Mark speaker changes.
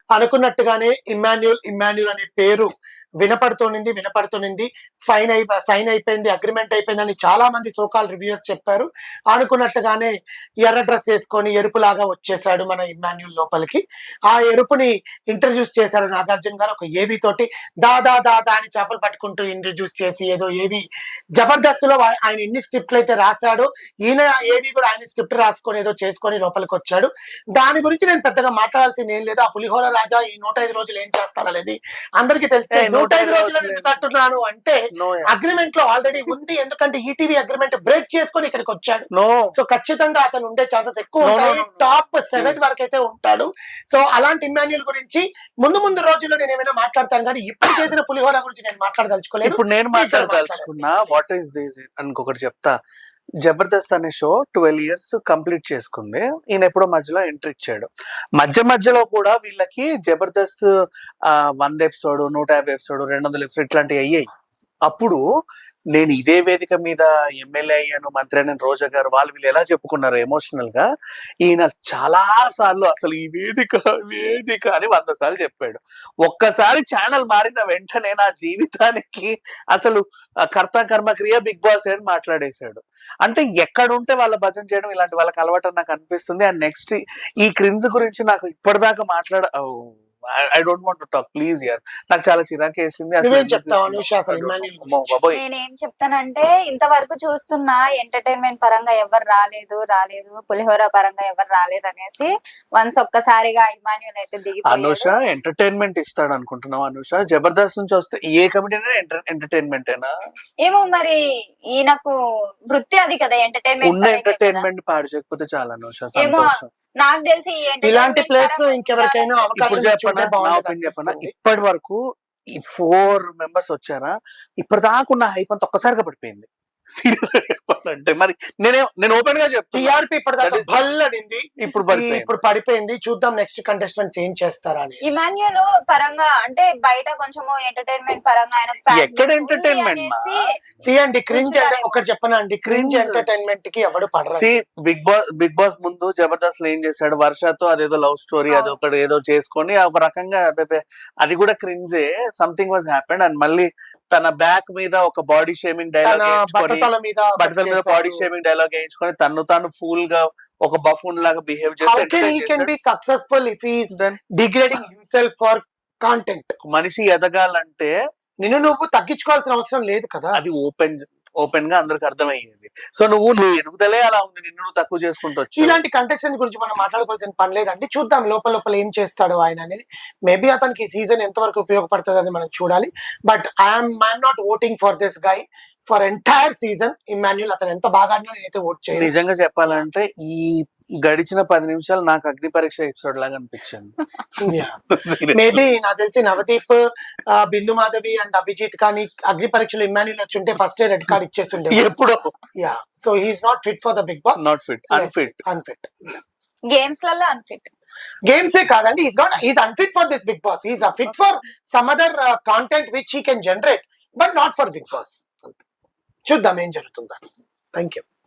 Speaker 1: అనుకున్నట్టుగానే Emmanuel Emmanuel అనే పేరు వినపడుతోంది. సైన్ అయిపోయింది, అగ్రిమెంట్ అయిపోయిందని చాలా మంది సోకాల్ రివ్యూస్ చెప్పారు. అనుకున్నట్టుగానే ఎర్ర డ్రెస్ వేసుకొని ఎరుపులాగా వచ్చేసాడు మన ఇమ్మాన్యుల్ లోపలికి. ఆ ఎరుపుని ఇంట్రడ్యూస్ చేశారు నాగార్జున గారు ఒక ఏవి తోటి. దాదా దాదా అని చేపలు పట్టుకుంటూ ఇంట్రడ్యూస్ చేసి ఏదో ఏవి జబర్దస్త్ లో ఆయన ఎన్ని స్క్రిప్ట్లు అయితే రాశాడో ఈయన ఏవి కూడా ఆయన స్క్రిప్ట్ రాసుకొని ఏదో చేసుకొని లోపలికి వచ్చాడు. దాని గురించి నేను పెద్దగా మాట్లాడాల్సింది ఏం లేదు. ఆ పులిహోర రాజా ఈ 105 రోజులు ఏం చేస్తారనేది అందరికీ తెలిసే. 105 రోజులు ఎందుకు అంటున్నాను అంటే అగ్రిమెంట్ లో ఆల్రెడీ ఉంది. ఎందుకంటే ఈటీవీ అగ్రిమెంట్ బ్రేక్ చేసుకొని ఇక్కడికి వచ్చాడు. సో ఖచ్చితంగా అతను ఉండే ఛాన్సెస్ ఎక్కువ ఉంటాయి. టాప్ 7 వరకు అయితే ఉంటాడు. సో అలాంటి ఇమ్మాన్యుల్ గురించి ముందు రోజుల్లో నేను ఏమైనా మాట్లాడతాను కానీ ఇప్పుడు చేసిన పులిహోర గురించి నేను మాట్లాడదలుచుకోలేదు.
Speaker 2: ఇప్పుడు నేను మాట్లాడదలుచుకున్నా. వాట్ ఈస్ దిస్ ఇంకొకటి చెప్తా. జబర్దస్త్ అనే షో 12 years కంప్లీట్ చేసుకుంది. ఈయన ఎప్పుడో మధ్యలో ఎంట్రీ ఇచ్చాడు. మధ్యలో కూడా వీళ్ళకి జబర్దస్త్ 100 ఎపిసోడ్, 150 ఎపిసోడ్, 200 ఎపిసోడ్ ఇట్లాంటివి అయ్యాయి. అప్పుడు నేను ఇదే వేదిక మీద ఎమ్మెల్యే అయ్యాను, మంత్రి అయిన రోజా గారు వీళ్ళు ఎలా చెప్పుకున్నారు ఎమోషనల్ గా. ఈయన చాలా సార్లు అసలు ఈ వేదిక అని 100 సార్లు చెప్పాడు. ఒక్కసారి ఛానల్ మారిన వెంటనే నా జీవితానికి అసలు కర్త కర్మ క్రియ బిగ్ బాస్ అని మాట్లాడేశాడు. అంటే ఎక్కడుంటే వాళ్ళ భజన చేయడం ఇలాంటి వాళ్ళకి అలవాటు నాకు అనిపిస్తుంది. అండ్ నెక్స్ట్ ఈ క్రిన్స్ గురించి నాకు ఇప్పటిదాకా I don't want to talk please యార్. నాకు చాలా చిరాకు వేసింది.
Speaker 3: నేనేం చెప్తానంటే ఇంతవరకు చూస్తున్నా ఎంటర్టైన్మెంట్ పరంగా ఎవరు రాలేదు పులిహోర పరంగా ఎవరు రాలేదు అనేసి వన్స్ ఒక్కసారిగా ఇమాన్యుల్ అయితే దిగి.
Speaker 2: అనుష ఎంటర్టైన్మెంట్ ఇస్తాడు అనుకుంటున్నావు? అనుష జబర్దస్త్ నుంచి వస్తే ఏ కమిటీ ఎంటర్టైన్మెంట్ అయినా
Speaker 3: ఏమో మరి ఈయనకు వృత్తి అది కదా
Speaker 2: ఎంటర్టైన్మెంట్ పాడు చేయకపోతే చాలా అనుష సంతోషం.
Speaker 3: నాకు తెలిసి
Speaker 1: ఇలాంటి ప్లేస్ లో ఇంకెవరికైనా
Speaker 2: ఇప్పటి వరకు ఈ 4 members వచ్చారా, ఇప్పటిదాకా ఉన్న హైప్ అంతా ఒక్కసారిగా పడిపోయింది. సీరియస్ గా చెప్పాలంటే మరి నేను ఓపెన్ గా చెప్తాను.
Speaker 1: టీఆర్పీ ఇప్పటిదాకా భల్లడింది, ఇప్పుడు పడిపోయింది. చూద్దాం నెక్స్ట్ కంటెస్టెంట్స్ ఏం చేస్తారా అని.
Speaker 3: ఇమాన్యుల్ పరంగా అంటే బయట కొంచెం ఎంటర్టైన్మెంట్ పరంగా
Speaker 2: ఎక్కడ ఎంటర్టైన్మెంట్
Speaker 1: అండి క్రింజ్ ఒకటి చెప్పనండి, క్రింజ్ ఎంటర్టైన్మెంట్ కి ఎవడు పడరు.
Speaker 2: బిగ్ బాస్ ముందు జబర్దస్త్ లో ఏం చేశాడు, వర్షతో అదేదో లవ్ స్టోరీ అది ఒకటి ఏదో చేసుకొని ఒక రకంగా అది కూడా క్రింజే. Something was happened. అండ్ మళ్ళీ తన బ్యాక్ మీద ఒక బాడీ షేమింగ్ డైలాగ్
Speaker 1: బట్టతల మీద
Speaker 2: బాడీ షేమింగ్ డైలాగ్ వేయించుకొని తాను ఫూల్ గా ఒక బఫూన్ లాగా బిహేవ్
Speaker 1: చేస్తాడు.
Speaker 2: మనిషి ఎదగాలంటే
Speaker 1: నువ్వు తగ్గించుకోవాల్సిన అవసరం లేదు కదా.
Speaker 2: అది ఓపెన్ గా అందరికి అర్థమయ్యేది. సో నువ్వు ఎదుగుదలే అలా ఉంది, నిన్ను తక్కువ చేసుకుంటూ వచ్చి.
Speaker 1: ఇలాంటి కంటెస్టెంట్ గురించి మనం మాట్లాడుకోవాల్సిన పని లేదండి. చూద్దాం లోపల ఏం చేస్తాడు ఆయన అనేది. మేబీ అతనికి ఈ సీజన్ ఎంతవరకు ఉపయోగపడుతుంది అని మనం చూడాలి. But I'm not voting for this guy for entire season. Emmanuel అతను ఎంత బాగా నేనైతే ఓట్ చేయను.
Speaker 2: నిజంగా చెప్పాలంటే ఈ గడిచిన 10 నిమిషాలు నాకు అగ్ని పరీక్ష ఎపిసోడ్ లాగా అనిపించింది.
Speaker 1: మేబీ నాకు తెలిసి నవదీప్, బిందు మాధవి అండ్ అభిజిత్ కానీ అగ్ని పరీక్షలో ఇమ్మాన్యుల్ వచ్చి ఉంటే ఫస్ట్ రెడ్ కార్డ్ ఇచ్చేస్తుండే
Speaker 2: ఎప్పుడో.
Speaker 1: So he's not fit for the Bigg Boss.
Speaker 2: Not fit, unfit.
Speaker 3: Games లలో అన్ఫిట్.
Speaker 1: గేమ్సే కాదండి, he's unfit for this Big Boss. He's fit for some other content which he can generate, but not for Big Boss. చూద్దాం ఏం జరుగుతుందని. Thank you.